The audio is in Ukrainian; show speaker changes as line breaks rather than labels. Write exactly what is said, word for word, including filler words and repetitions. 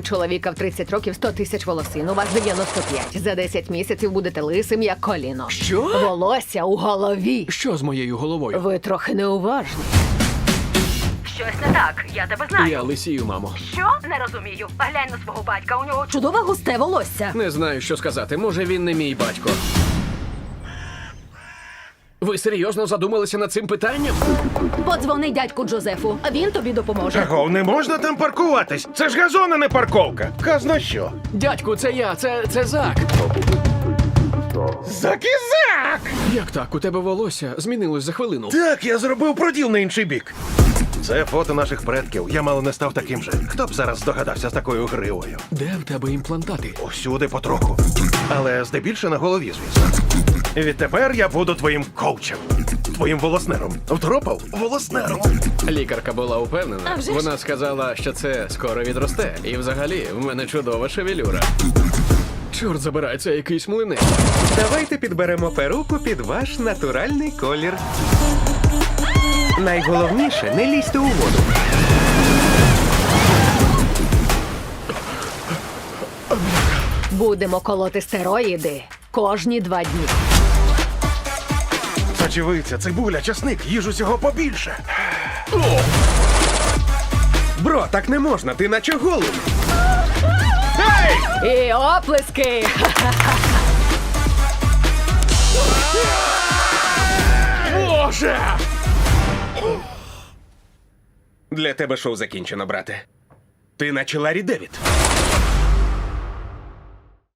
У чоловіка в тридцять років сто тисяч волосин, у вас дев'яносто п'ять. За десять місяців будете лисим, як коліно.
Що?
Волосся у голові.
Що з моєю головою?
Ви трохи неуважні.
Щось не так, я тебе знаю.
Я лисію, мамо.
Що? Не розумію. Глянь на свого батька, у нього
Чудове густе волосся.
Не знаю, що сказати. Може, він не мій батько. Ви серйозно задумалися над цим питанням?
Подзвони дядьку Джозефу, а він тобі допоможе.
Чого, не можна там паркуватись? Це ж газон, а не парковка. Казна що?
Дядьку, це я, це, це Зак.
Закізак!
Як так? У тебе волосся змінилось за хвилину.
Так, я зробив проділ на інший бік. Це фото наших предків. Я мало не став таким же. Хто б зараз здогадався з такою гривою?
Де в тебе імплантати?
Усюди потроху. Але здебільше на голові, звісно. Відтепер я буду твоїм коучем. Твоїм волоснером. Втропав? Волоснером.
Лікарка була упевнена.
А вже ж.
Вона сказала, що це скоро відросте. І взагалі, в мене чудова шевелюра. Чорт забирай, це якийсь млинець.
Давайте підберемо перуку під ваш натуральний колір. Найголовніше, не лізьте у воду.
Будемо колоти стероїди кожні два дні.
Сочевиця, цибуля, часник, їж усього побільше.
Бро, так не можна, ти наче голий.
І оплески!
Боже!
Для тебе шоу закінчено, брате. Ти наче Ларі Девід.